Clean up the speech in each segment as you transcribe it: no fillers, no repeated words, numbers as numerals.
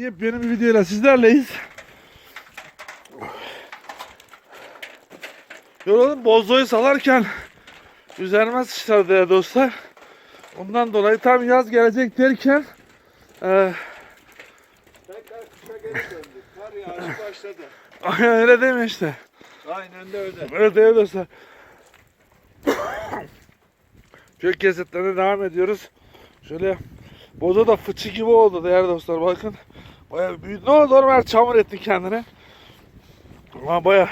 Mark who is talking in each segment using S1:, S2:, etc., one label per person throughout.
S1: Yepyeni bir videoyla sizlerleyiz. Yoruldum, bozoyu salarken üzerime sıçradı ya dostlar. Ondan dolayı tam yaz gelecek derken
S2: Tekrar kışa geri döndük. Kar yağışı başladı.
S1: aynen öyle değil mi işte?
S2: Aynen de öyle.
S1: Öyle değil dostlar. Kök kesitlerine devam ediyoruz. Şöyle bozo da fıçı gibi oldu değerli dostlar, bakın. Bayağı büyüdü. Ne oldu? Normal çamur etti kendine. Ama bayağı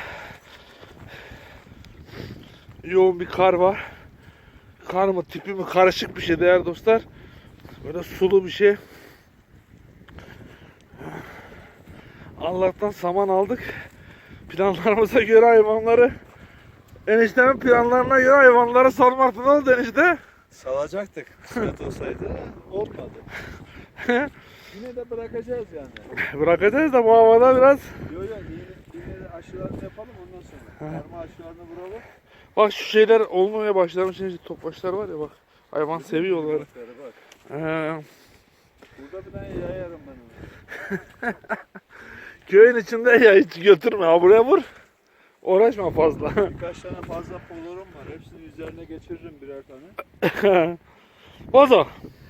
S1: yoğun bir kar var. Kar mı tipi mi karışık bir şey değerli dostlar. Böyle sulu bir şey. Allah'tan saman aldık. Planlarımıza göre hayvanları, eniştemin planlarına göre hayvanları salmaktı. Ne oldu enişte?
S2: Salacaktık kısmet olsaydı. Olmadı. Yine de bırakacağız yani.
S1: Bırakacağız da bu havada biraz.
S2: Yok yine de aşılarını yapalım ondan sonra. Karma aşılarını vuralım.
S1: Bak şu şeyler olmaya başlamış. Şimdi topbaşlar var ya bak. Hayvan seviyor onları.
S2: Bak. Burada bir tane yayarım ben onu.
S1: Köyün içinde ya hiç götürme. Ha buraya vur. Uğraşma fazla.
S2: Birkaç tane fazla polorum var. Hepsini üzerine geçiririm birer tane.
S1: Bozo.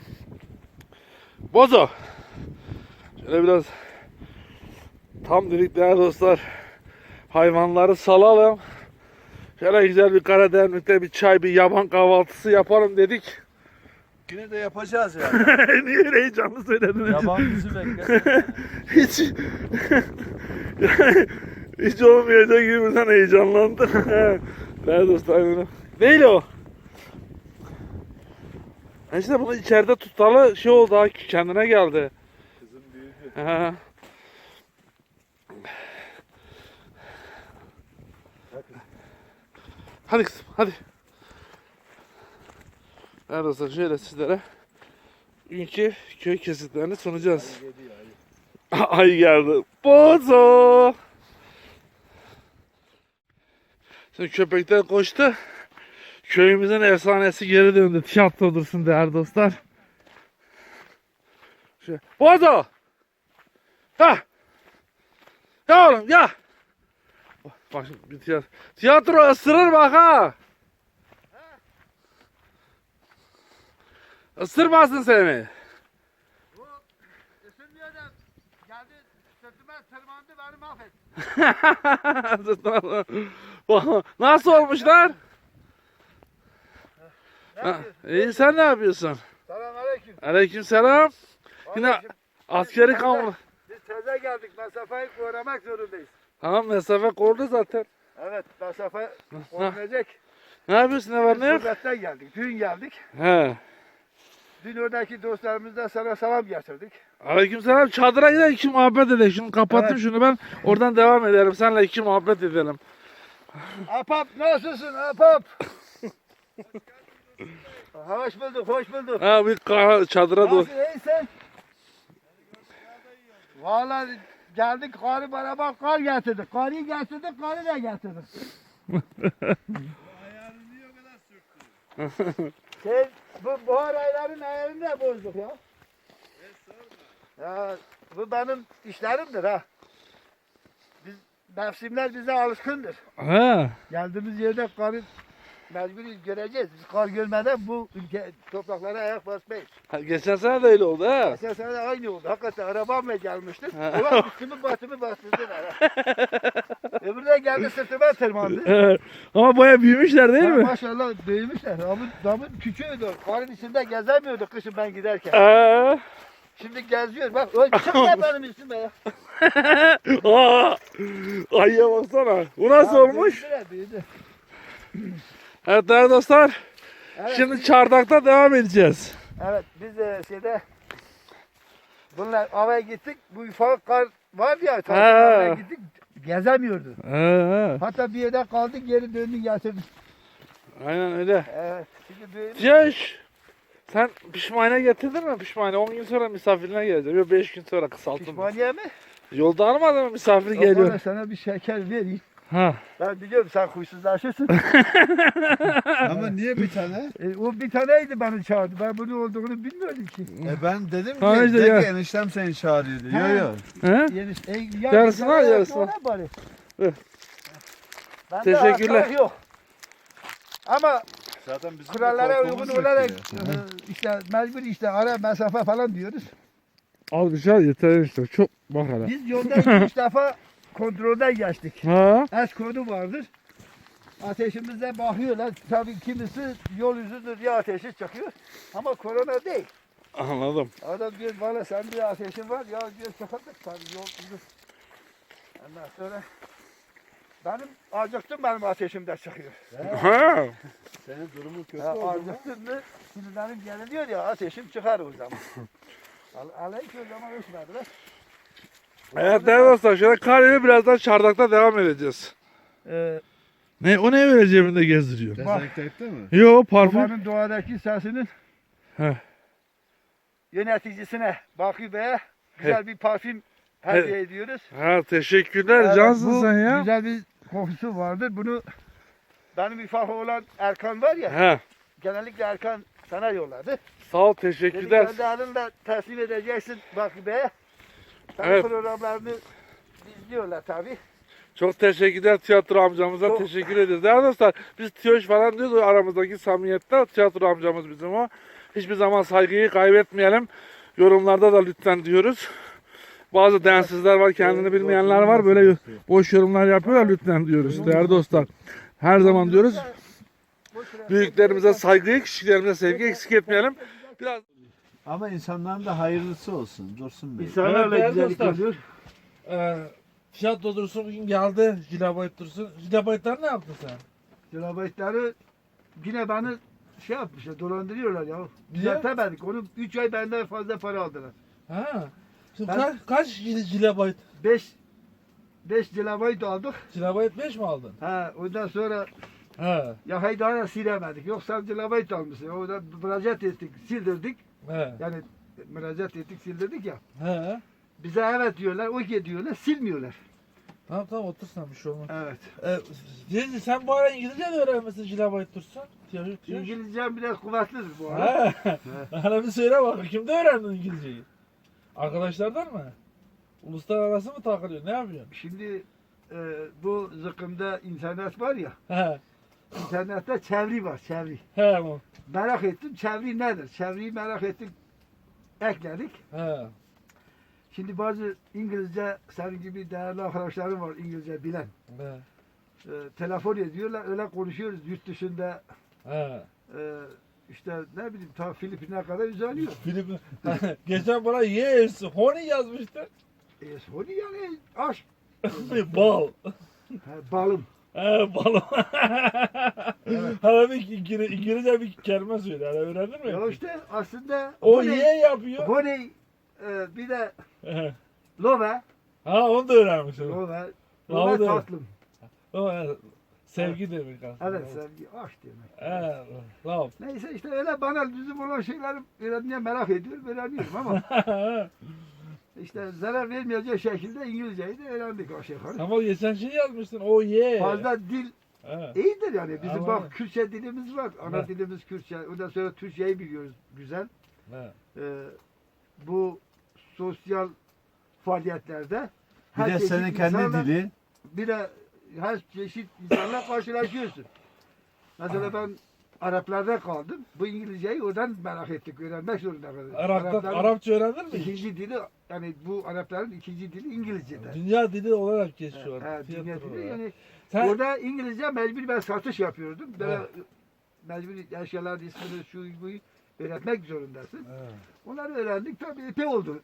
S1: Bozo. Şöyle biraz tam dedik değerli dostlar. Hayvanları salalım. Şöyle güzel bir Karadeniz'de bir çay, bir yaban kahvaltısı yapalım dedik.
S2: Yine de yapacağız yani.
S1: Niye öyle heyecanlı söyledin?
S2: Yaban bizi beklesin.
S1: Hiç yani, hiç olmayacak gibi sen heyecanlandın. Değerli dostlar. Değil o. İşte bunu içeride tutalı şey oldu, ha kendine geldi.
S2: Kızım büyüdü.
S1: He. Hadi kızım, hadi. Evet dostlar, şöyle sizlere günkü köy kesitlerini sunacağız. Ay geldi. Bozo. Şimdi köpekler koştu. Köyümüzün efsanesi geri döndü. Tiyatro dursun değerli dostlar. Şöyle. Bozo. Ha. Ya oğlum ya. Bak şimdi bir tiyatro ısırır bak ha. Isırmasın seni.
S2: Bu ısınmıyordu. Geldi sırtıma tırmandı beni mahvetti.
S1: Nasıl olmuşlar? İyi, sen ne yapıyorsun?
S2: Selamünaleyküm.
S1: Aleykümselam. Yine askeri kamp.
S2: Biz teze geldik. Mesafeyi korumak zorundayız.
S1: Tamam, mesafe korudu zaten.
S2: Evet, mesafe korunacak.
S1: Ne yapıyorsun, ne var ne yok?
S2: Gurbetten geldik. Dün geldik.
S1: He.
S2: Dün oradaki dostlarımızdan sana selam getirdik.
S1: Aleykümselam. Çadıra gidelim, iki muhabbet edelim. Şunu kapattım,
S2: Evet.
S1: şunu ben oradan devam ederim. Seninle iki muhabbet edelim.
S2: Apap nasılsın Apap? Hoş bulduk, hoş bulduk.
S1: Ha, bir çadıra doğru.
S2: Nasıl iyisin? Vallahi geldik karı beraber kar getirdik. Karıyı getirdik, karı da getirdik. Ayarını niye o kadar sürttün? Bu buhar aylarının ayarını da bozduk ya. Ya bu benim işlerimdir ha. Mevsimler bize alışkındır.
S1: Ha.
S2: Geldiğimiz yerde karı mecburi göreceğiz. Biz kar görmeden bu ülke topraklara ayak basmayız.
S1: Geçen sene de öyle oldu ha.
S2: Geçen sene de aynı oldu. Hakikaten arabamla gelmiştim. Ulan üstümü batımı bastırdılar. Öbürü de geldi sırtıma tırmandı.
S1: Ama baya büyümüşler değil
S2: Ha,
S1: mi?
S2: maşallah büyümüşler. Damın küçüğüydü. Karın içinde gezemiyordu kışın ben giderken.
S1: Aa.
S2: Şimdi geziyor. Bak öyle çıkma benim üstüme ya.
S1: Aa. Ayıya baksana. Bu nasıl
S2: Ha,
S1: olmuş?
S2: büyüdü.
S1: Evet değerli dostlar.
S2: Evet,
S1: Şimdi çardakta devam edeceğiz.
S2: evet biz de bunlar avaya gittik. Bu ufak kar var ya. Avaya gittik. Gezemiyordu.
S1: Ha.
S2: Hatta bir yerde kaldık geri döndük getirdik.
S1: Aynen öyle.
S2: Evet. Şimdi büyümüş.
S1: Yaş. Sen pişmaniye getirdin mi? Pişmaniye 10 gün sonra misafirine geleceğim. Yok 5 gün sonra kısalttım.
S2: Pişmaniye mi?
S1: Yolda almadın mı misafir
S2: Yok,
S1: geliyor.
S2: bana sana bir şeker vereyim.
S1: Ha.
S2: Ben biliyorum sen huysuzlaşırsın.
S3: Ama niye bir tane?
S2: O bir taneydi beni çağırdı. Ben bunun olduğunu bilmiyordum ki.
S3: Ben dedim ki,
S1: Ha işte
S3: de
S1: ya.
S3: ki eniştem seni çağırıyor diye.
S2: Ha.
S3: Yo yo.
S1: He? Yarısını al, yarısını al. Hı. Teşekkürler.
S2: Yok. Ama
S3: Zaten bizim
S2: kurallara uygun olarak işte mecbur işte ara mesafe falan diyoruz.
S1: Al bir şey al yeter işte. Çok bak hele.
S2: Biz yolda 2-3 defa kontrolden geçtik.
S1: Ha?
S2: Es kodu vardır. Ateşimize bakıyorlar. Tabii kimisi yol yüzüdür ya ateşi çıkıyor. Ama korona değil.
S1: Anladım.
S2: Adam diyor bana sen bir ateşin var ya diyor çıkardık tabii yol yüzü. Ondan sonra benim ateşim de çıkıyor.
S1: Ha.
S3: Senin durumun kötü
S2: Ya
S3: oldu mu?
S2: acıktın mı? Şimdi benim geliyor ya ateşim çıkar o zaman. Aleyküm o zaman ölçmediler.
S1: Evet değerli dostlar şöyle karıyla birazdan çardakta devam edeceğiz. Ne o ne öyle cebinde gezdiriyor?
S3: Dezenfekte mi?
S1: Yo parfüm.
S2: Babanın doğadaki sesinin
S1: Heh.
S2: yöneticisine Bakü Bey'e güzel bir parfüm hediye ediyoruz.
S1: Ha teşekkürler cansın
S2: bu
S1: sen ya.
S2: güzel bir kokusu vardır. Bunu benim ufak olan Erkan var ya,
S1: Ha.
S2: genellikle Erkan sana yolladı.
S1: Sağ ol
S2: Dedi
S1: teşekkürler.
S2: kendi adınla teslim edeceksin Bakü Bey'e. Senin
S1: Evet.
S2: programlarını izliyorlar tabii.
S1: Çok teşekkürler tiyatro amcamıza
S2: Çok-
S1: teşekkür ederiz. Değerli dostlar biz tiyoş falan diyoruz o aramızdaki samimiyette tiyatro amcamız bizim o. Hiçbir zaman saygıyı kaybetmeyelim. Yorumlarda da lütfen diyoruz. Bazı densizler var, kendini bilmeyenler var. Böyle boş yorumlar yapıyorlar lütfen diyoruz. Değerli dostlar. Her zaman diyoruz. Büyüklerimize saygıyı, küçüklerimize sevgi eksik etmeyelim. Biraz
S3: Ama insanların da hayırlısı olsun. Dursun Bey.
S2: İnsanlarla
S1: Evet,
S2: güzellik
S1: dostlar.
S2: oluyor.
S1: Tiyatro Dursun bugün geldi. Jilabayt Dursun. Jilabaytlar ne yaptın sen?
S2: Kilobaytları yine beni şey yapmışlar, dolandırıyorlar ya.
S1: Niye?
S2: Düzeltemedik. Onu 3 ay benden fazla para aldılar.
S1: Ha. Şimdi
S2: Ben-
S1: kaç jilabayt?
S2: 5 kilobayt aldık.
S1: Jilabayt 5 mi aldın?
S2: Ha, ondan sonra
S1: Ha.
S2: yakayı daha da silemedik. Yoksa kilobayt almışsın. Orada müracaat ettik, sildirdik.
S1: He.
S2: Yani müracaat ettik, sildirdik ya.
S1: He.
S2: Bize evet diyorlar, okey diyorlar, silmiyorlar.
S1: Tamam otur sen bir şey olmaz.
S2: Evet.
S1: Cengiz sen bu ara İngilizce de öğrenmesin jilabayt Dursun.
S2: İngilizcem biraz kuvvetlidir bu arada.
S1: Ha. Bana bir söyle bak. Kimde öğrendin İngilizceyi? Arkadaşlardan mı? Uluslararası mı takılıyor? Ne yapıyorsun?
S2: Şimdi bu zıkkımda internet var ya,
S1: He.
S2: internette çeviri var, çeviri.
S1: He. bu.
S2: Merak ettim, çeviri nedir? Çeviriyi merak ettik, ekledik.
S1: He.
S2: Şimdi bazı İngilizce, senin gibi değerli arkadaşlarım var İngilizce bilen.
S1: He.
S2: Telefon ediyorlar, öyle konuşuyoruz yurt dışında.
S1: He.
S2: İşte ne bileyim, ta Filipin'e kadar uzanıyor.
S1: Filip geçen bana yes, honey yazmıştı.
S2: Sonu yani aşk.
S1: Bal.
S2: Balım.
S1: He balım. Hala bir İngilizce bir kelime söyle. Hala öğrendin mi?
S2: Ya işte aslında
S1: O ye yapıyor.
S2: honey, bir de
S1: He.
S2: love,
S1: Ha onu da öğrenmiş. o.
S2: love,
S1: Love
S2: love
S1: da-
S2: tatlım.
S1: O, sevgi demek aslında.
S2: Evet, sevgi, aşk demek.
S1: He. Love.
S2: Neyse işte öyle bana lüzum olan şeyleri öğrenmeye merak ediyorum, öğreniyorum ama işte zarar vermeyecek şekilde İngilizceyi de öğrendik aşağı yukarı.
S1: Ama geçen şey yazmışsın. O ye.
S2: Fazla dil
S1: He.
S2: iyidir yani. Bizim
S1: Ama-
S2: bak Kürtçe dilimiz var. Ana
S1: Evet.
S2: dilimiz Kürtçe. Ondan sonra Türkçeyi biliyoruz güzel.
S1: He.
S2: Bu sosyal faaliyetlerde
S3: Bir de
S2: çeşit
S3: senin kendi
S2: insanla-
S3: dili.
S2: bir de her çeşit insanla karşılaşıyorsun. Mesela ben Araplarda kaldım. Bu İngilizceyi oradan merak ettik. Öğrenmek zorunda kaldık.
S1: Arapça öğrendin mi?
S2: ikinci dili yani bu Arapların ikinci dili İngilizce'de.
S1: Dünya dili olarak geçiyor.
S2: Ha, dünya
S1: Tiyatro
S2: dili
S1: olarak.
S2: yani
S1: Sen
S2: orada İngilizce mecbur ben satış yapıyordum. Böyle
S1: Evet.
S2: mecbur eşyalar ismini şu bu öğretmek zorundasın.
S1: He.
S2: Onları öğrendik tabii epey oldu.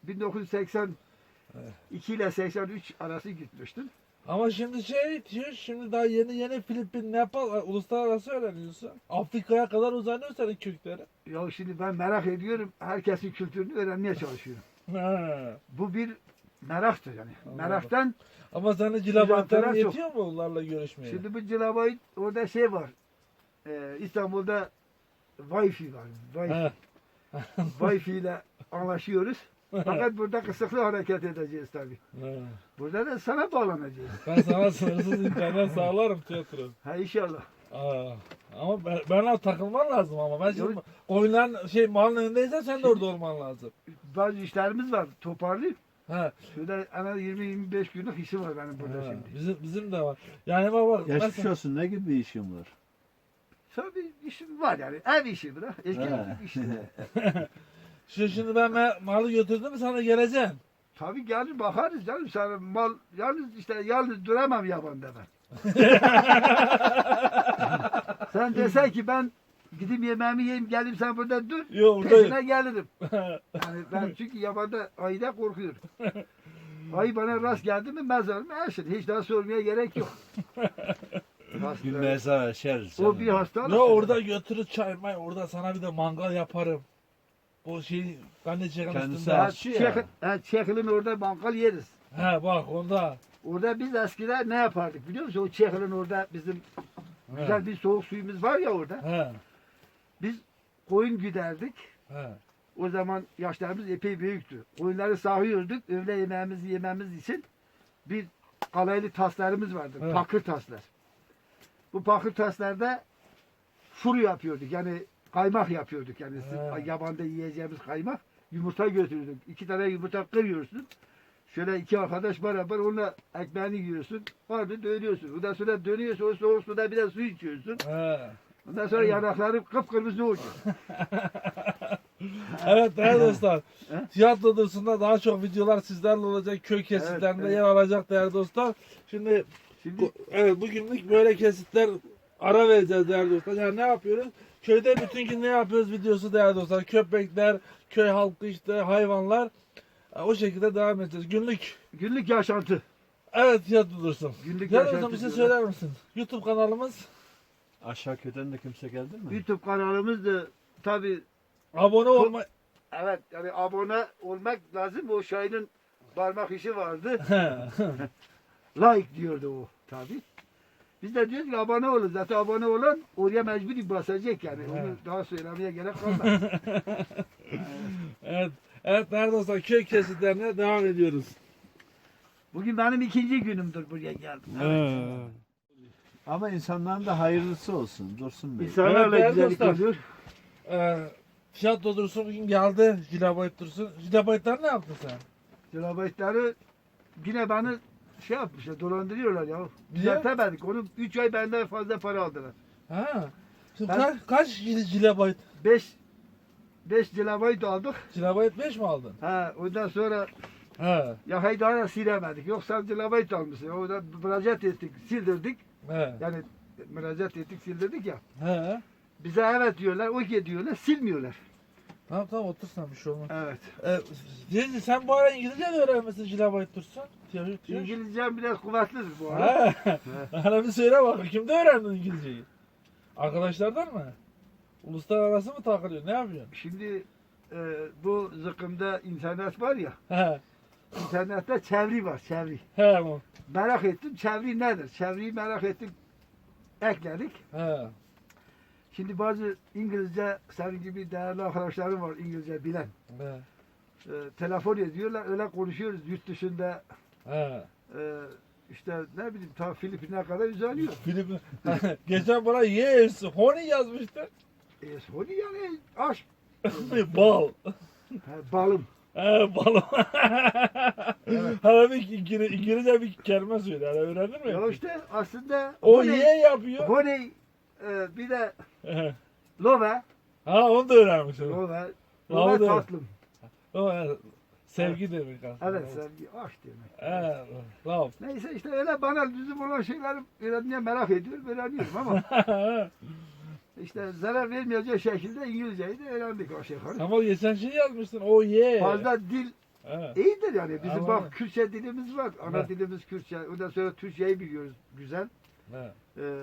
S2: 1982 ile 83 arası gitmiştim.
S1: Ama şimdi şey diyor, şimdi daha yeni Filipin, Nepal, uluslararası öğreniyorsun. Afrika'ya kadar uzanıyor senin kökleri.
S2: Ya şimdi ben merak ediyorum. Herkesin kültürünü öğrenmeye çalışıyorum.
S1: He.
S2: Bu bir meraktır yani.
S1: Anladım.
S2: Meraktan
S1: Ama senin
S2: Uzantılar
S1: cilabatların
S2: çok.
S1: yetiyor mu onlarla görüşmeye?
S2: şimdi bu cilabayı orada şey var. İstanbul'da Wi-Fi var. Wi-Fi.
S1: He.
S2: Wi-Fi ile anlaşıyoruz. Fakat burada kısıklı hareket edeceğiz tabii.
S1: He.
S2: Burada da sana bağlanacağız.
S1: Ben sana sınırsız internet sağlarım tiyatro.
S2: Ha inşallah.
S1: Aa, ama benle takılman lazım ama. Ben şimdi
S2: Yok.
S1: oyunların malın önündeysen sen de orada olman lazım.
S2: Bazı işlerimiz var. Toparlayıp.
S1: He.
S2: Şurada en az 20-25 günlük işim var benim burada
S1: he.
S2: şimdi.
S1: Bizim de var. Yani bak
S3: Geçmiş
S1: mesela,
S3: olsun, ne gibi bir işin var?
S2: Tabii işim var yani. Ev işi bırak. Eski
S3: He.
S2: işte.
S1: şimdi ben malı götürdüm sana geleceğim.
S2: Tabii gelir bakarız canım. Sana mal yalnız duramam yabanda ben. Sen desen ki ben gidip yemeğimi yiyeyim gelip sen burada dur.
S1: Yok
S2: Peşine
S1: buradayım.
S2: gelirim. Yani ben çünkü yabanda ayıda korkuyorum. Ayı bana rast geldi mi mezarım eşit. Hiç daha sormaya gerek yok. Hasta.
S3: Bir mezar açarız.
S2: O bir hastalık.
S1: Ne orada götürür çay may orada sana bir de mangal yaparım. Bu şey ben de çekim
S3: Kendisi
S1: üstünde.
S3: aç.
S2: Çekil'in orada bankal yeriz.
S1: He bak onda.
S2: Orada biz eskiden ne yapardık biliyor musun? O Çekil'in orada bizim
S1: He.
S2: güzel bir soğuk suyumuz var ya orada.
S1: He.
S2: Biz koyun güderdik.
S1: He.
S2: O zaman yaşlarımız epey büyüktü. Koyunları sağıyorduk. Öğle yemeğimizi yememiz için bir kalaylı taslarımız vardı.
S1: Evet.
S2: Pakır taslar. Bu pakır taslarda furu yapıyorduk. Yani kaymak yapıyorduk. Yani
S1: Evet.
S2: yabanda yiyeceğimiz kaymak. Yumurta götürürdük. 2 tane yumurta kırıyorsun. Şöyle 2 arkadaş beraber onunla ekmeğini yiyorsun. Vardı dönüyorsun. Ondan sonra dönüyorsun. O soğuk suda bir de su içiyorsun.
S1: He.
S2: Ondan sonra yanakları kıpkırmızı oluyor.
S1: Evet değerli dostlar.
S2: He?
S1: Tiyatro Dursun'da daha çok videolar sizlerle olacak. Köy kesitlerinde
S2: evet.
S1: yer alacak değerli dostlar. Şimdi
S2: Şimdi
S1: evet bugünlük böyle kesitler ara vereceğiz değerli dostlar. Yani ne yapıyoruz? Köyde bütün gün ne yapıyoruz videosu değerli dostlar. Köpekler, köy halkı işte hayvanlar. O şekilde devam edeceğiz.
S2: günlük yaşantı.
S1: Evet Tiyatro Dursun.
S2: Günlük
S1: Değerli
S2: yaşantı
S1: dostum bir şey
S2: diyorlar.
S1: söyler misin? YouTube kanalımız.
S3: Aşağı köyden de kimse geldi mi?
S2: YouTube kanalımız da tabi
S1: Abone olma.
S2: evet yani abone olmak lazım. O Şahin'in parmak işi vardı. Like diyordu o tabi. Biz de diyoruz ki abone olun. Zaten abone olan oraya mecburi basacak yani. Onu
S1: Evet.
S2: daha söylemeye gerek kalmaz.
S1: Evet. Evet değerli dostlar köy kesitlerine devam ediyoruz.
S2: Bugün benim 2. günümdür buraya geldim.
S3: Ama insanların da hayırlısı olsun Dursun Bey.
S2: İnsanlarla
S1: Evet,
S2: güzellik
S1: dostlar.
S2: oluyor.
S1: Tiyatro Dursun bugün geldi. Jilabayt Dursun. Jilabaytlar ne yaptın sen?
S2: Kilobaytları yine beni şey yapmışlar, dolandırıyorlar ya.
S1: Niye?
S2: Düzeltemedik. Onu 3 ay benden fazla para aldılar.
S1: Ha. Şimdi
S2: Ben-
S1: kaç jilabayt?
S2: 5 kilobayt aldık.
S1: Jilabayt 5 mi aldın?
S2: Ha, ondan sonra
S1: He.
S2: ya haydana silemedik. Yoksa kilobayt almışsın. Orada müracaat ettik, sildirdik.
S1: He.
S2: Yani müracaat ettik, sildirdik ya.
S1: He.
S2: Bize evet diyorlar, okey diyorlar, silmiyorlar.
S1: Tamam tamam otur sen bir şey olmaz.
S2: Evet.
S1: Deniz sen bu ara İngilizce de öğrenmesin Jilabayt Dursun.
S2: İngilizcem biraz kuvvetlidir bu arada.
S1: He. Bana bir söyle bak. Kimde öğrendin İngilizceyi? Arkadaşlardan mı? Uluslararası mı takılıyor? Ne yapıyorsun?
S2: Şimdi bu zıkkımda internet var ya,
S1: He.
S2: internette çeviri var, çeviri.
S1: He. Mo.
S2: Merak ettim, çeviri nedir? Çeviriyi merak ettik, ekledik.
S1: He.
S2: Şimdi bazı İngilizce, senin gibi değerli arkadaşlarım var İngilizce bilen.
S1: He.
S2: Telefon ediyorlar, öyle konuşuyoruz yurt dışında.
S1: He.
S2: İşte ne bileyim, ta Filipin'e kadar uzanıyor.
S1: Filipin. Geçen bana yes, honey yazmıştı.
S2: Sony yani aşk,
S1: Bal.
S2: balım.
S1: Balım. Hala bir İngilizce bir kelime söyle. Hala öğrendin mi?
S2: Ya işte aslında
S1: O
S2: honey,
S1: ye yapıyor.
S2: honey, bir de love,
S1: Ha onu da öğrenmiş. o.
S2: love,
S1: Love
S2: love
S1: da-
S2: tatlım.
S1: O, sevgi demek aslında.
S2: Evet, sevgi, aşk demek.
S1: Evet. Love.
S2: Neyse işte öyle bana lüzum olan şeyleri öğrenmeye merak ediyorum, öğreniyorum ama işte zarar vermeyecek şekilde İngilizceyi de öğrendik aşağı yukarı.
S1: Ama geçen şey yazmışsın. O ye.
S2: Fazla dil
S1: Evet.
S2: iyidir yani. Bizim
S1: Ama-
S2: bak Kürtçe dilimiz var. Ana
S1: Evet.
S2: dilimiz Kürtçe. Ondan sonra Türkçeyi biliyoruz güzel.
S1: Evet.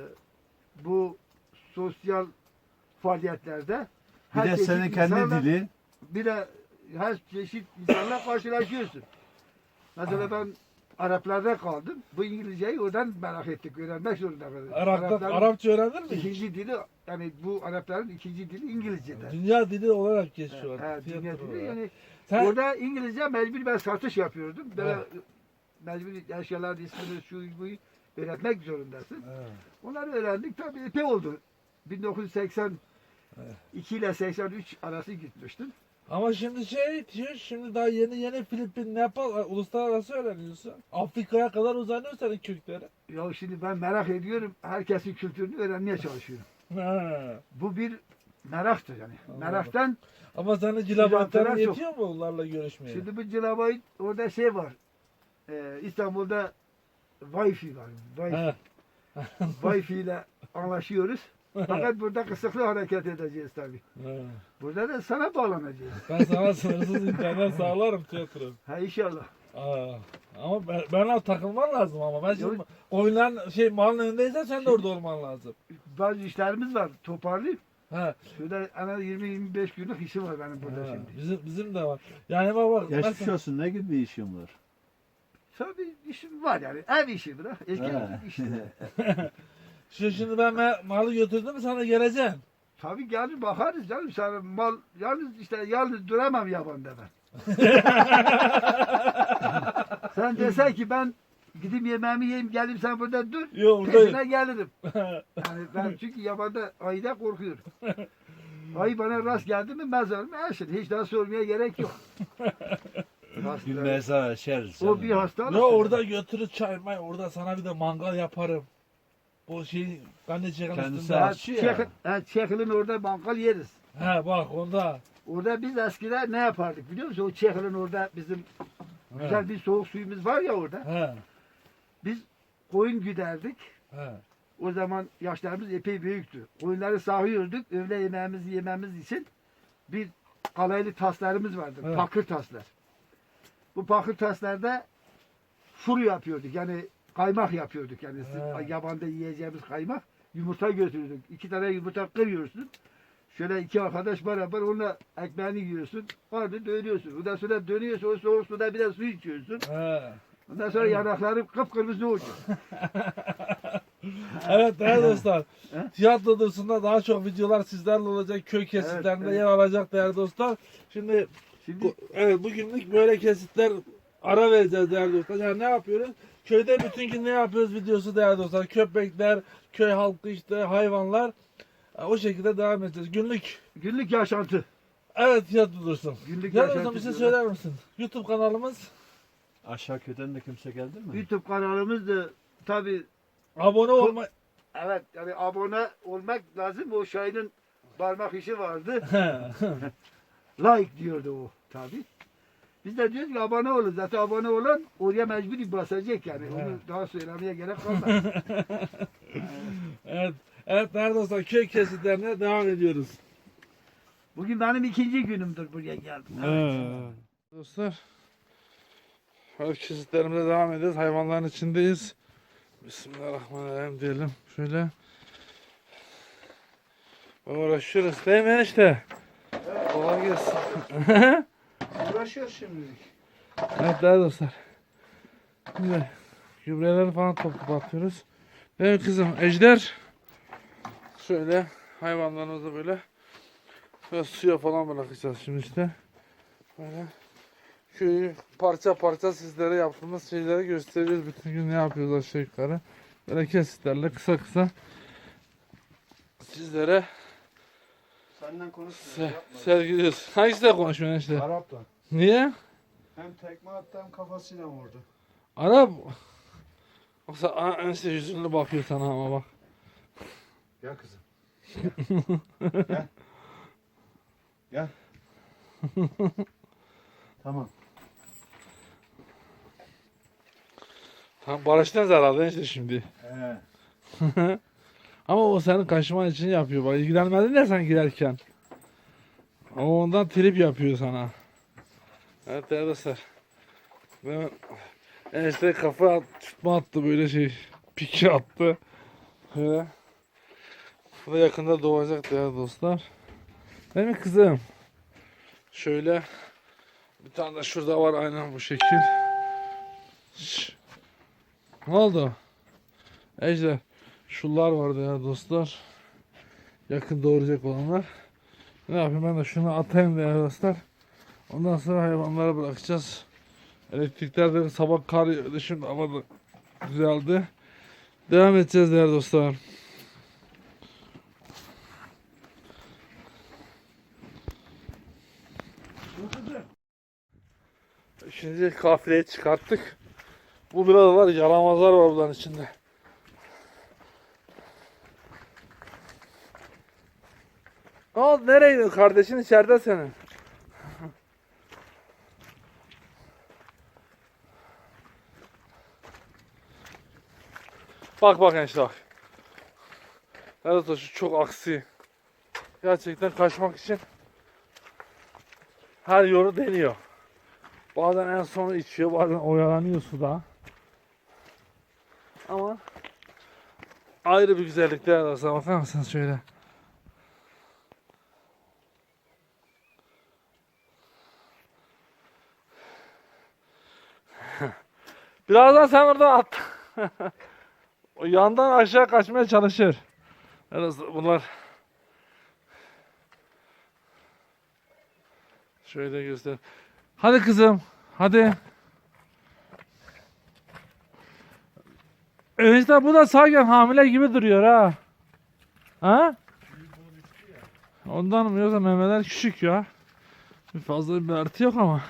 S2: Bu sosyal faaliyetlerde
S3: Bir de
S2: çeşit
S3: senin kendi
S2: insanla-
S3: dili.
S2: bir de her çeşit insanla karşılaşıyorsun. Mesela ben Araplarda kaldım. Bu İngilizceyi oradan merak ettik. Öğrenmek zorunda kaldık. Arapların
S1: Arapça öğrendin mi?
S2: ikinci dili, yani bu Arapların ikinci dili İngilizce'den.
S1: Dünya dili olarak geçiyor.
S2: Ha, dünya
S1: tiyatro
S2: dili
S1: olarak.
S2: yani
S1: Sen,
S2: orada İngilizce mecbur ben satış yapıyordum. Böyle
S1: Evet.
S2: mecbur eşyaların ismini şu bu öğretmek zorundasın.
S1: Evet.
S2: Onları öğrendik tabii epey oldu. 1982
S1: Evet.
S2: ile 83 arası gitmiştim.
S1: Ama şimdi şimdi daha yeni Filipin, Nepal, uluslararası öğreniyorsun. Afrika'ya kadar uzanıyor senin kökleri.
S2: Ya şimdi ben merak ediyorum. Herkesin kültürünü öğrenmeye çalışıyorum.
S1: Ha.
S2: Bu bir meraktır yani.
S1: Anladım.
S2: Meraktan
S1: Ama senin
S2: Cilavalar
S1: cilabatların
S2: çok.
S1: yetiyor mu onlarla görüşmeye?
S2: şimdi bu Cilabayt orada şey var. İstanbul'da Wi-Fi var. Wi-Fi.
S1: Ha.
S2: Wi-Fi ile anlaşıyoruz. Fakat burada kısıtlı hareket edeceğiz tabii.
S1: Ha.
S2: Burada da sana bağlanacağız.
S1: Ben sana sınırsız internet sağlarım tiyatro.
S2: Ha inşallah.
S1: Ama ben takılman lazım ama. Ben şimdi
S2: Yok.
S1: oyunların malın önündeysen sen de orada olman lazım.
S2: Bazı işlerimiz var. Toparlayıp
S1: Ha.
S2: şurada en az 20-25 günlük işim var benim burada
S1: Ha.
S2: şimdi.
S1: Bizim de var. Yani bak
S3: Geçmiş
S1: mesela-
S3: olsun, ne gibi bir işin var?
S2: Tabii işim var yani. Ev işi bırak. Erkek
S3: Ha.
S2: işi.
S1: Şimdi ben malı götürdüm mü sana geleceğim.
S2: Tabii gelir bakarız canım. Sana mal yalnız duramam yabanda ben. Sen desen ki ben gidip yemeğimi yiyeyim gelip sen burada dur.
S1: Yok
S2: Peşine
S1: buradayım.
S2: gelirim. Yani ben çünkü yabanda ayıda korkuyorum. Ayı bana rast geldi mi mezarım eşit. Hiç daha sormaya gerek yok.
S3: Bir mezar açarız.
S2: O bir hastalık.
S1: Ne orada götürür çay may orada sana bir de mangal yaparım. O şey ben de çekim
S3: Kendisi
S1: üstünde.
S3: aç.
S2: Çekil'in orada bankal yeriz.
S1: He bak onda.
S2: Orada biz eskiden ne yapardık biliyor musun? O Çekil'in orada bizim
S1: He.
S2: güzel bir soğuk suyumuz var ya orada.
S1: He.
S2: Biz koyun güderdik.
S1: He.
S2: O zaman yaşlarımız epey büyüktü. Koyunları sağıyorduk. Öğle yemeğimizi yememiz için bir kalaylı taslarımız vardı.
S1: Evet.
S2: Pakır taslar. Bu pakır taslarda furu yapıyorduk. Yani kaymak yapıyorduk. Yani
S1: Evet.
S2: yabanda yiyeceğimiz kaymak. Yumurta götürürdük. 2 tane yumurta kırıyorsun. Şöyle 2 arkadaş beraber onunla ekmeğini yiyorsun. Orada dönüyorsun. Ondan sonra dönüyorsun. O soğuk suda bir de su içiyorsun.
S1: He.
S2: Ondan sonra yanakların kıpkırmızı oluyor.
S1: Evet değerli dostlar.
S2: He?
S1: Tiyatro dışında daha çok videolar sizlerle olacak. Köy kesitlerinde
S2: evet.
S1: yer alacak değerli dostlar. Şimdi
S2: Şimdi
S1: evet bugünlük böyle kesitler ara vereceğiz değerli dostlar. Yani ne yapıyoruz? Köyde bütün gün ne yapıyoruz videosu değerli dostlar. Köpekler, köy halkı işte hayvanlar. O şekilde devam edeceğiz.
S2: günlük yaşantı.
S1: Evet tiyatro dursun.
S2: Günlük
S1: Değerli
S2: yaşantı
S1: dostlar bir şey
S2: diyorlar.
S1: söyler misin? YouTube kanalımız.
S3: Aşağı köyden de kimse geldi mi?
S2: YouTube kanalımız da tabi
S1: Abone olma.
S2: evet yani abone olmak lazım. O Şahin'in parmak işi vardı. Like diyordu o tabi. Biz de diyoruz ki abone olun. Zaten abone olan oraya mecburi basacak yani. Onu
S1: Evet.
S2: daha söylemeye gerek kalmaz.
S1: Evet. Evet değerli dostlar köy kesitlerine devam ediyoruz.
S2: Bugün benim 2. günümdür buraya geldim.
S1: Dostlar, kesitlerimize devam ediyoruz. Hayvanların içindeyiz. Bismillahirrahmanirrahim diyelim. Şöyle. Uğraşıyoruz değil mi enişte? Kolay gelsin.
S2: Uğraşıyor şimdi.
S1: Evet değerli dostlar. Şimdi gübreleri falan toplayıp atıyoruz. Evet kızım Ejder. Şöyle hayvanlarımızı böyle suya falan bırakacağız şimdi işte. Böyle köyü parça parça sizlere yaptığımız şeyleri gösteriyoruz. Bütün gün ne yapıyoruz aşağı yukarı. Böyle kesitlerle kısa kısa sizlere
S2: Senden konuşmuyor.
S1: sergiliyoruz. Hangisiyle konuşuyorsun işte?
S2: Arap'tan.
S1: Niye?
S2: Hem tekme attı hem kafasıyla vurdu.
S1: Arap. Yoksa enişte yüzünü bakıyor sana ama bak.
S2: Gel kızım. Gel. Gel. Tamam.
S1: Tamam barıştınız herhalde enişte şimdi. Ama o senin kaşıman için yapıyor. Bak ilgilenmedin ya sen girerken. O ondan trip yapıyor sana. Evet değerli dostlar. Ben enişte kafa tutma attı böyle şey. Piki attı. Böyle. Bu da yakında doğacak değerli dostlar. Değil mi kızım? Şöyle. Bir tane de şurada var aynen bu şekil. Ne oldu? Ejder. Şunlar vardı ya dostlar. Yakın doğuracak olanlar. Ne yapayım, ben de şunu atayım değerli dostlar. Ondan sonra hayvanları bırakacağız. Elektrikler de sabah kar yağdı, şimdi hava da düzeldi. Devam edeceğiz değerli dostlar. Şimdi kafileyi çıkarttık. Bu biraz var, yaramazlar var bunların içinde. Ne oldu, nereye gidiyorsun? Kardeşin içeride senin. Bak bak işte bak. Evet, şu çok aksi. Gerçekten kaçmak için her yolu deniyor. Bazen en sonu içiyor, bazen oyalanıyor suda. Ama ayrı bir güzellikler var. Bakar mısınız şöyle? Birazdan sen orada at. O yandan aşağı kaçmaya çalışır. Evet, bunlar şöyle göster. Hadi kızım, hadi. İşte bu da sanki hamile gibi duruyor ha. Ha? Ondan mı, yoksa memeler küçük ya. Fazla bir artı yok ama.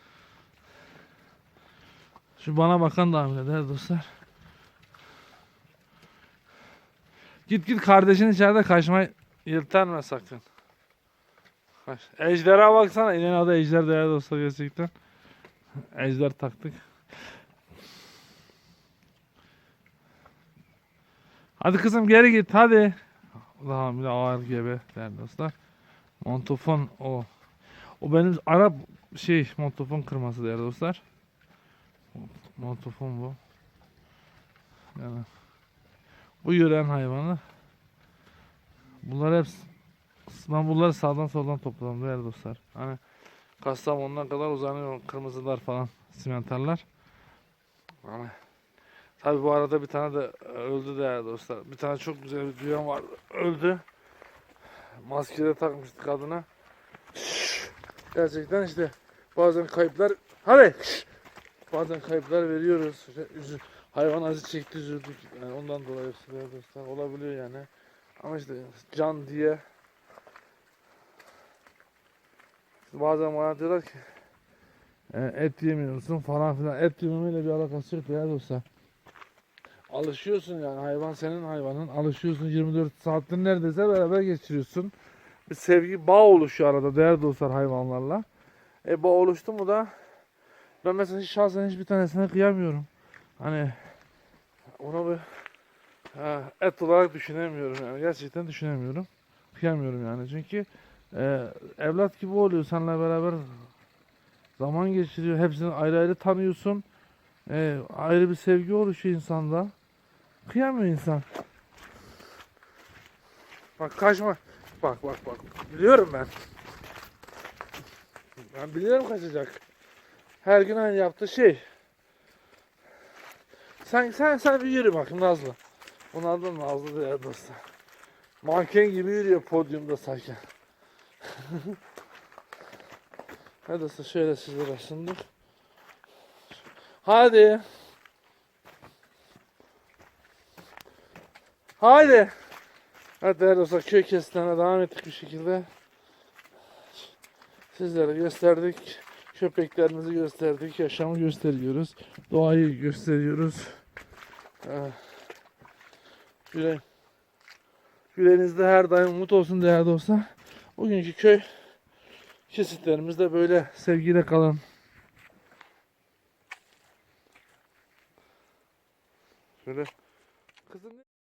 S1: Şu bana bakan da hamile değerli dostlar. Git git, kardeşin içeride, kaçmayı yırtarma sakın. Ejderha baksana, ineğin adı Ejder değerli dostlar, gerçekten. Ejder taktık. Hadi kızım, geri git hadi. Daha bir de ağır gebe değerli dostlar. Montofon o. O benim Arap montofon kırması değerli dostlar. Montofon bu. Yani bu yören hayvanı. Bunlar hep, ben bunları sağdan soldan topladım değerli dostlar. Hani Kastamonu'na kadar uzanıyor kırmızılar falan, simenterler. Hani tabi bu arada bir tane de öldü değerli dostlar. Bir tane çok güzel bir düğün var, öldü. Maskede takmıştı kadına. Gerçekten işte bazen kayıplar, hadi bazen kayıplar veriyoruz. Hayvan acı çekti, üzüldük. Yani ondan dolayı dostlar olabiliyor yani. Ama işte can diye bazen bana diyorlar ki et yemiyorsun falan filan. Et yememeyle bir alakası yok değerli dostlar. Alışıyorsun yani, hayvan senin hayvanın. Alışıyorsun, 24 saattir neredeyse beraber geçiriyorsun. Bir sevgi, bağ oluşuyor arada değerli dostlar hayvanlarla. Bağ oluştu mu da ben mesela şahsen hiçbir tanesine kıyamıyorum. Hani onu bir et olarak düşünemiyorum yani, gerçekten düşünemiyorum. Kıyamıyorum yani, çünkü evlat gibi oluyor, seninle beraber zaman geçiriyor. Hepsini ayrı ayrı tanıyorsun. Ayrı bir sevgi oluşuyor insanda. Kıyamıyor insan. Bak kaçma. Bak bak bak. Biliyorum ben. Ben biliyorum kaçacak. Her gün aynı yaptığı şey. Sen bir yürü bakayım Nazlı. Bunlar da Nazlı değerli dostlar. Manken gibi yürüyor podyumda sanki. Hadi dostlar, şöyle sizlere sunduk. Hadi. Haydi. Evet değerli dostlar, köy kesitlerine devam ettik bir şekilde. Sizlere gösterdik. Köpeklerimizi gösterdik. Yaşamı gösteriyoruz. Doğayı gösteriyoruz. Yüreğinizde her daim umut olsun değerli dostlar. Bugünkü köy kesitlerimiz de böyle. Sevgiyle kalın. Şöyle. Kızım